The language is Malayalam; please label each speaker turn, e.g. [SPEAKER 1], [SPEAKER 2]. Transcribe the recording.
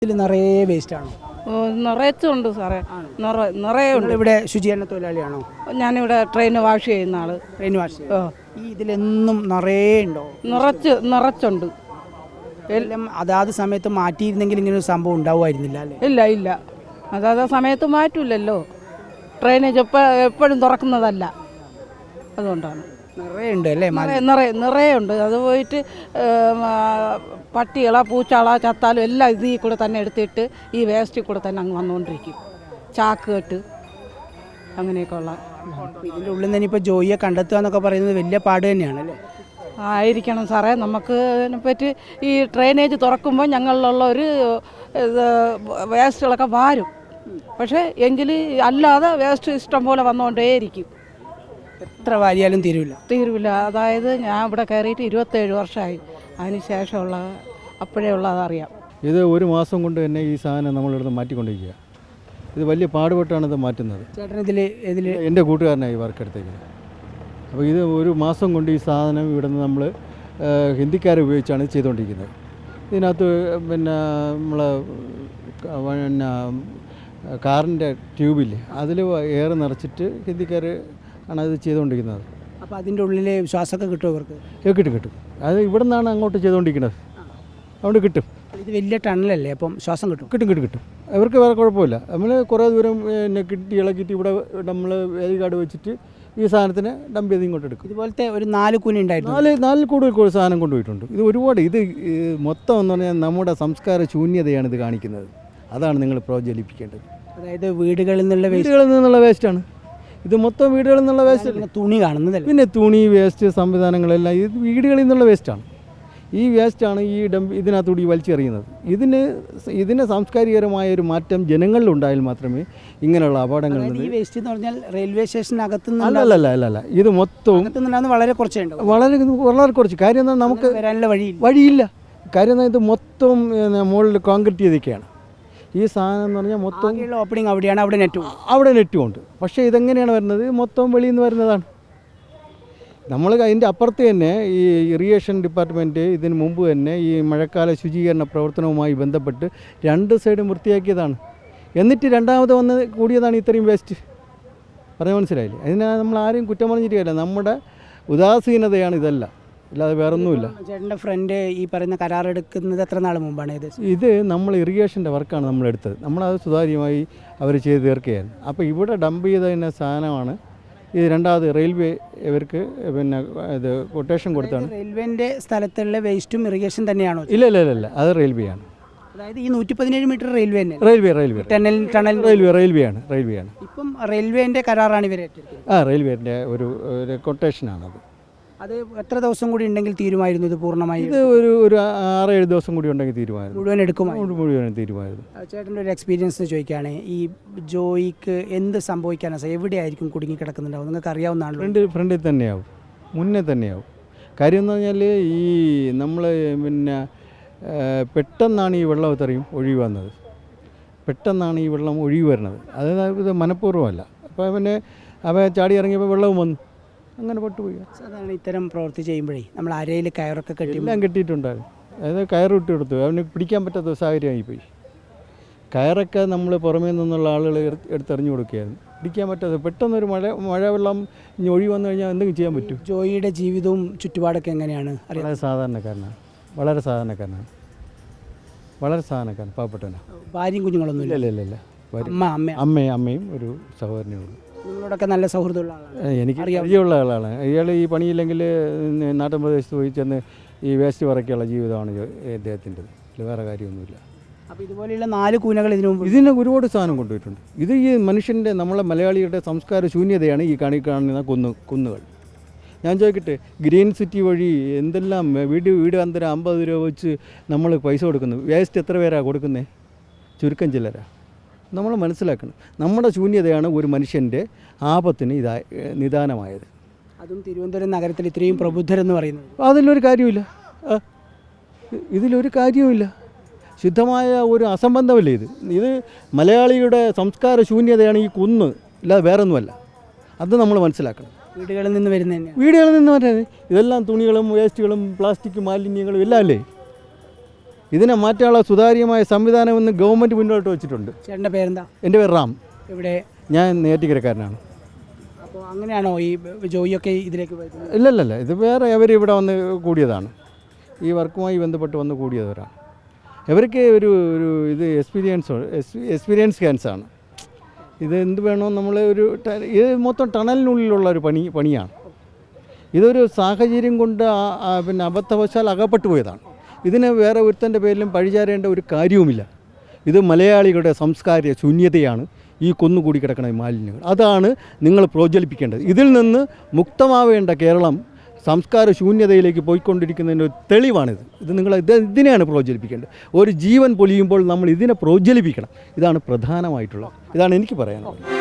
[SPEAKER 1] ഇതിൽ നിറയെ വേസ്റ്റാണോ?
[SPEAKER 2] നിറച്ചുണ്ട് സാറേ, നിറയെ ഉണ്ട്.
[SPEAKER 1] ഇവിടെ ശുചീകരണ തൊഴിലാളിയാണോ?
[SPEAKER 2] ഞാനിവിടെ ട്രെയിൻ വാഷ് ചെയ്യുന്ന ആള്.
[SPEAKER 1] ട്രെയിൻ വാഷ് ഈ ഇതിലെന്നും നിറയെ ഉണ്ടോ?
[SPEAKER 2] നിറച്ചുണ്ട്.
[SPEAKER 1] എല്ലാം അതാത് സമയത്ത് മാറ്റിയിരുന്നെങ്കിൽ ഇങ്ങനെ ഒരു സംഭവം ഉണ്ടാവുമായിരുന്നില്ല അല്ലേ?
[SPEAKER 2] ഇല്ല, അതാത് സമയത്ത് മാറ്റൂലല്ലോ. ട്രെയിനേജ് എപ്പോഴും തുറക്കുന്നതല്ല, അതുകൊണ്ടാണ്.
[SPEAKER 1] നിറയുണ്ട് അല്ലേ?
[SPEAKER 2] നിറയുണ്ട്. അത് പോയിട്ട് പട്ടികളോ പൂച്ചാളോ ചത്താലും എല്ലാം ഇതിൽ കൂടെ തന്നെ എടുത്തിട്ട് ഈ വേസ്റ്റിൽ കൂടെ തന്നെ അങ്ങ് വന്നുകൊണ്ടിരിക്കും. ചാക്ക് കെട്ട് അങ്ങനെയൊക്കെ ഉള്ള.
[SPEAKER 1] ഇതിൻ്റെ ഉള്ളിൽ നിന്ന് ഇപ്പോൾ ജോയിയെ കണ്ടെത്തുക എന്നൊക്കെ പറയുന്നത് വലിയ പാട് തന്നെയാണല്ലേ?
[SPEAKER 2] ആയിരിക്കണം സാറേ. നമുക്ക് ഇതിനെപ്പറ്റി ഈ ഡ്രെയിനേജ് തുറക്കുമ്പോൾ ഞങ്ങളിലുള്ള ഒരു വേസ്റ്റുകളൊക്കെ വാരും. പക്ഷേ എങ്കിൽ അല്ലാതെ വേസ്റ്റ് ഇഷ്ടം പോലെ വന്നുകൊണ്ടേയിരിക്കും.
[SPEAKER 1] എത്ര വാരിയാലും തീരുവില്ല.
[SPEAKER 2] അതായത് ഞാൻ ഇവിടെ കയറിയിട്ട് 27 വർഷമായി. അതിന് ശേഷമുള്ള അപ്പോഴേ ഉള്ളതറിയാം.
[SPEAKER 3] ഇത് ഒരു മാസം കൊണ്ട് തന്നെ ഈ സാധനം നമ്മളിവിടുന്ന് മാറ്റിക്കൊണ്ടിരിക്കുക. ഇത് വലിയ പാടുപെട്ടാണ് ഇത് മാറ്റുന്നത്.
[SPEAKER 1] ചേട്ടൻ
[SPEAKER 3] എൻ്റെ കൂട്ടുകാരനായി വർക്കെടുത്തേക്ക്. അപ്പോൾ ഇത് ഒരു മാസം കൊണ്ട് ഈ സാധനം ഇവിടുന്ന് നമ്മൾ ഹിന്ദിക്കാരെ ഉപയോഗിച്ചാണ് ചെയ്തുകൊണ്ടിരിക്കുന്നത്. ഇതിനകത്ത് പിന്നെ നമ്മളെ കാറിൻ്റെ ട്യൂബില്ലേ, അതിൽ എയർ നിറച്ചിട്ട് ഹിന്ദിക്കാർ ആണ് ഇത് ചെയ്തുകൊണ്ടിരിക്കുന്നത്.
[SPEAKER 1] അപ്പോൾ അതിൻ്റെ ഉള്ളിൽ ശ്വാസമൊക്കെ കിട്ടുമോ ഇവർക്ക്?
[SPEAKER 3] കിട്ടും. അത് ഇവിടെ നിന്നാണ് അങ്ങോട്ട് ചെയ്തുകൊണ്ടിരിക്കുന്നത്, അതുകൊണ്ട് കിട്ടും.
[SPEAKER 1] ഇത് വലിയ ടണലല്ലേ, അപ്പം ശ്വാസം
[SPEAKER 3] കിട്ടും. അവർക്ക് വേറെ കുഴപ്പമില്ല. നമ്മൾ കുറേ ദൂരം പിന്നെ ഇളക്കിയിട്ട് ഇവിടെ നമ്മൾ വേലി കാർഡ് വെച്ചിട്ട് ഈ സാധനത്തിന് ഡംപ് ചെയ്ത് ഇങ്ങോട്ട് എടുക്കും.
[SPEAKER 1] ഇതുപോലത്തെ ഒരു 4 കൂന ഉണ്ടായിരുന്നു.
[SPEAKER 3] 4 കൂടുതൽ സാധനം കൊണ്ടുപോയിട്ടുണ്ട്. ഇത് ഒരുപാട്. ഇത് മൊത്തം എന്ന് പറഞ്ഞാൽ നമ്മുടെ സംസ്കാര ശൂന്യതയാണ് ഇത് കാണിക്കുന്നത്. അതാണ് നിങ്ങൾ പ്രോജ്വലിപ്പിക്കേണ്ടത്.
[SPEAKER 1] അതായത് വീടുകളിൽ
[SPEAKER 3] നിന്നുള്ള വേസ്റ്റാണ് ഇത് മൊത്തം. വീടുകളിൽ നിന്നുള്ള വേസ്റ്റ്,
[SPEAKER 1] തുണി കാണുന്നതല്ല,
[SPEAKER 3] പിന്നെ തുണി വേസ്റ്റ് സംവിധാനങ്ങളെല്ലാം ഇത് വീടുകളിൽ നിന്നുള്ള വേസ്റ്റാണ്. ഈ വേസ്റ്റാണ് ഈ ഇതിനകത്തൂടി വലിച്ചെറിയുന്നത്. ഇതിന് സാംസ്കാരികമായ ഒരു മാറ്റം ജനങ്ങളിലുണ്ടായാൽ മാത്രമേ ഇങ്ങനെയുള്ള അപകടങ്ങൾ.
[SPEAKER 1] ഈ വേസ്റ്റ് എന്ന് പറഞ്ഞാൽ റെയിൽവേ സ്റ്റേഷനകത്ത്
[SPEAKER 3] അല്ല, ഇത് മൊത്തവും
[SPEAKER 1] വളരെ കുറച്ചുണ്ട്.
[SPEAKER 3] വളരെ കുറച്ച്. കാര്യം എന്നാൽ നമുക്ക്
[SPEAKER 1] വരാനുള്ള വഴിയില്ല.
[SPEAKER 3] കാര്യം എന്നാൽ ഇത് മൊത്തം മുകളിൽ കോൺക്രീറ്റ് ചെയ്തൊക്കെയാണ്. ഈ സാധനം എന്ന് പറഞ്ഞാൽ മൊത്തം
[SPEAKER 1] ഓപ്പണിങ് അവിടെയാണ്.
[SPEAKER 3] അവിടെ നെറ്റും ഉണ്ട്. പക്ഷേ ഇതെങ്ങനെയാണ് വരുന്നത്? മൊത്തം വെളിയിൽ നിന്ന് വരുന്നതാണ്. നമ്മൾ അതിൻ്റെ അപ്പുറത്ത് തന്നെ ഈ ഇറിഗേഷൻ ഡിപ്പാർട്ട്മെൻറ്റ് ഇതിന് മുമ്പ് തന്നെ ഈ മഴക്കാല ശുചീകരണ പ്രവർത്തനവുമായി ബന്ധപ്പെട്ട് 2 സൈഡും വൃത്തിയാക്കിയതാണ്. എന്നിട്ട് രണ്ടാമത് വന്ന് കൂടിയതാണ് ഇത്രയും വേസ്റ്റ്. പറഞ്ഞാൽ മനസ്സിലായില്ലേ? അതിന് നമ്മൾ ആരെയും കുറ്റം പറഞ്ഞിരിക്കുകയല്ല. നമ്മുടെ ഉദാസീനതയാണ് ഇതെല്ലാം, അല്ലാതെ വേറൊന്നുമില്ല.
[SPEAKER 1] ചേട്ടൻ്റെ ഫ്രണ്ട് ഈ പറയുന്ന കരാറെടുക്കുന്നത് എത്ര നാൾ മുമ്പാണ്?
[SPEAKER 3] ഇത് നമ്മൾ ഇറിഗേഷൻ്റെ വർക്കാണ് നമ്മളെടുത്തത്. നമ്മളത് സുതാര്യമായി അവർ ചെയ്ത് തീർക്കുകയായിരുന്നു. അപ്പോൾ ഇവിടെ ഡംപ് ചെയ്തതിൻ്റെ സാധനമാണ് ഇത്. രണ്ടാമത് റെയിൽവേ ഇവർക്ക് പിന്നെ ഇത് കൊട്ടേഷൻ കൊടുത്താണ്.
[SPEAKER 1] റെയിൽവേൻ്റെ സ്ഥലത്തുള്ള വേസ്റ്റും ഇറിഗേഷൻ തന്നെയാണോ?
[SPEAKER 3] ഇല്ല, അത് റെയിൽവേ ആണ്.
[SPEAKER 1] അതായത് ഈ 117 മീറ്റർ റെയിൽവേ
[SPEAKER 3] റെയിൽവേ ആണ്.
[SPEAKER 1] ഇപ്പം റെയിൽവേൻ്റെ കരാറാണ് ഇവരെ.
[SPEAKER 3] റെയിൽവേൻ്റെ ഒരു കൊട്ടേഷനാണത്.
[SPEAKER 1] അത് എത്ര ദിവസം കൂടി ഉണ്ടെങ്കിൽ തീരുമായിരുന്നു ഇത് പൂർണ്ണമായി?
[SPEAKER 3] ഇത് ഒരു 6-7 ദിവസം കൂടി ഉണ്ടെങ്കിൽ തീരുമായിരുന്നു. മുഴുവൻ തീരുമായിരുന്നു.
[SPEAKER 1] ചേട്ടൻ്റെ ഒരു എക്സ്പീരിയൻസ് ചോദിക്കുകയാണ്. ഈ ജോയിക്ക് എന്ത് സംഭവിക്കാനാണ്? എവിടെയായിരിക്കും കുടുങ്ങി കിടക്കുന്നുണ്ടാവും? നിങ്ങൾക്ക് അറിയാവുന്നതാണല്ലോ.
[SPEAKER 3] ഫ്രണ്ടിൽ തന്നെയാവും, മുന്നേ തന്നെയാവും. കാര്യം എന്ന് പറഞ്ഞാൽ ഈ നമ്മൾ പിന്നെ പെട്ടെന്നാണ് ഈ വെള്ളം ഇത്രയും ഒഴുകി വന്നത്. പെട്ടെന്നാണ് ഈ വെള്ളം ഒഴുകി വരുന്നത്. അതായത് മനഃപൂർവ്വമല്ല. അപ്പോൾ പിന്നെ അവ ചാടി ഇറങ്ങിയപ്പോൾ വെള്ളവും വന്നു, അങ്ങനെ പെട്ടുപോയി.
[SPEAKER 1] സാധാരണ ഇത്തരം പ്രവൃത്തി ചെയ്യുമ്പോഴേ നമ്മൾ അരയിൽ കയറൊക്കെ
[SPEAKER 3] എല്ലാം കെട്ടിയിട്ടുണ്ടായിരുന്നു. അതായത് കയർ ഇട്ട് കൊടുത്തു. അവന് പിടിക്കാൻ പറ്റാത്ത സാഹചര്യമായിപ്പോയി. കയറൊക്കെ നമ്മൾ പുറമേ നിന്നുള്ള ആളുകൾ എടുത്തെറിഞ്ഞു കൊടുക്കുകയായിരുന്നു. പിടിക്കാൻ പറ്റാതെ പെട്ടെന്നൊരു മഴവെള്ളം ഒഴി വന്നു കഴിഞ്ഞാൽ എന്തെങ്കിലും ചെയ്യാൻ പറ്റും.
[SPEAKER 1] ജോയിയുടെ ജീവിതവും ചുറ്റുപാടൊക്കെ എങ്ങനെയാണ്?
[SPEAKER 3] വളരെ സാധാരണക്കാരനാണ്, പാവപ്പെട്ടവനാണ്.
[SPEAKER 1] ഭാര്യയും കുഞ്ഞുങ്ങളൊന്നും
[SPEAKER 3] ഇല്ല. അമ്മയും ഒരു സഹോദരനേ ഉള്ളൂ.
[SPEAKER 1] നിങ്ങളോടൊക്കെ നല്ല സൗഹൃദമുള്ള ആളാണ്.
[SPEAKER 3] എനിക്ക് പരിചയമുള്ള ആളാണ്. ഇയാൾ ഈ പണിയില്ലെങ്കിൽ നാട്ടിൻ പ്രദേശത്ത് പോയി ചെന്ന് ഈ വേസ്റ്റ് പറയ്ക്കുള്ള ജീവിതമാണ് അദ്ദേഹത്തിൻ്റെത്. വേറെ കാര്യമൊന്നുമില്ല.
[SPEAKER 1] അപ്പോൾ ഇതുപോലെയുള്ള 4 കൂനകൾ
[SPEAKER 3] ഇതിന് ഒരുപാട് സാധനം കൊണ്ടുപോയിട്ടുണ്ട്. ഇത് ഈ മനുഷ്യൻ്റെ, നമ്മളെ മലയാളിയുടെ സംസ്കാര ശൂന്യതയാണ് ഈ കാണുന്ന കുന്നുകൾ. ഞാൻ ചോദിക്കട്ടെ, ഗ്രീൻ സിറ്റി വഴി എന്തെല്ലാം വീട് അന്തരം 50 രൂപ വെച്ച് നമ്മൾ പൈസ കൊടുക്കുന്നു. വേസ്റ്റ് എത്ര പേരാണ് കൊടുക്കുന്നത്? ചുരുക്കം ചിലരാ. നമ്മൾ മനസ്സിലാക്കണം, നമ്മുടെ ശൂന്യതയാണ് ഒരു മനുഷ്യൻ്റെ ആപത്തിന് നിദാനമായത്.
[SPEAKER 1] അതും തിരുവനന്തപുരം നഗരത്തിൽ ഇത്രയും പ്രബുദ്ധരെന്ന് പറയുന്നത്.
[SPEAKER 3] ഇതിലൊരു കാര്യവുമില്ല. ശുദ്ധമായ ഒരു അസംബന്ധമല്ലേ ഇത് മലയാളിയുടെ സംസ്കാര ശൂന്യതയാണ് ഈ കുന്ന്, ഇല്ലാതെ വേറൊന്നുമല്ല. അത് നമ്മൾ മനസ്സിലാക്കണം.
[SPEAKER 1] വീടുകളിൽ നിന്ന് വരുന്നത്
[SPEAKER 3] ഇതെല്ലാം തുണികളും വേസ്റ്റുകളും പ്ലാസ്റ്റിക് മാലിന്യങ്ങളും എല്ലാം അല്ലേ. ഇതിനെ മാറ്റാനുള്ള സുതാര്യമായ സംവിധാനം ഇന്ന് ഗവൺമെൻറ് മുന്നോട്ട് വെച്ചിട്ടുണ്ട്.
[SPEAKER 1] ചേട്ടൻ്റെ പേരെന്താ?
[SPEAKER 3] എൻ്റെ പേര് റാം.
[SPEAKER 1] ഇവിടെ
[SPEAKER 3] ഞാൻ നെയ്യാറ്റിൻകരക്കാരനാണ്.
[SPEAKER 1] അപ്പോൾ അങ്ങനെയാണോ ഈ ജോയിയൊക്കെ ഇതിലേക്ക് വരുന്നത്?
[SPEAKER 3] ഇല്ലല്ല, ഇത് വേറെ അവർ ഇവിടെ വന്ന് കൂടിയതാണ്. ഈ വർക്കുമായി ബന്ധപ്പെട്ട് വന്ന് കൂടിയവരാണ്. ഇവർക്ക് ഒരു ഇത് എക്സ്പീരിയൻസ് ക്യാൻസാണ്. ഇത് എന്ത് വേണോ നമ്മൾ ഇത് മൊത്തം ടണലിനുള്ളിലുള്ള ഒരു പണിയാണ്. ഇതൊരു സാഹചര്യം കൊണ്ട് പിന്നെ അബദ്ധവശാൽ അകപ്പെട്ടു പോയതാണ്. ഇതിന് വേറെ ഒരുത്തൻ്റെ പേരിലും പഴിചാരേണ്ട ഒരു കാര്യവുമില്ല. ഇത് മലയാളികളുടെ സംസ്കാര ശൂന്യതയാണ് ഈ കൊന്നുകൂടി കിടക്കുന്ന മാലിന്യങ്ങൾ. അതാണ് നിങ്ങൾ പ്രോജ്വലിപ്പിക്കേണ്ടത്. ഇതിൽ നിന്ന് മുക്തമാവേണ്ട കേരളം സംസ്കാര ശൂന്യതയിലേക്ക് പോയിക്കൊണ്ടിരിക്കുന്നതിൻ്റെ ഒരു തെളിവാണിത്. നിങ്ങൾ ഇതിനെയാണ് പ്രോജ്വലിപ്പിക്കേണ്ടത്. ഒരു ജീവൻ പൊലിയുമ്പോൾ നമ്മൾ ഇതിനെ പ്രോജ്വലിപ്പിക്കണം. ഇതാണ് പ്രധാനമായിട്ടുള്ളത്. ഇതാണ് എനിക്ക് പറയാനുള്ളത്.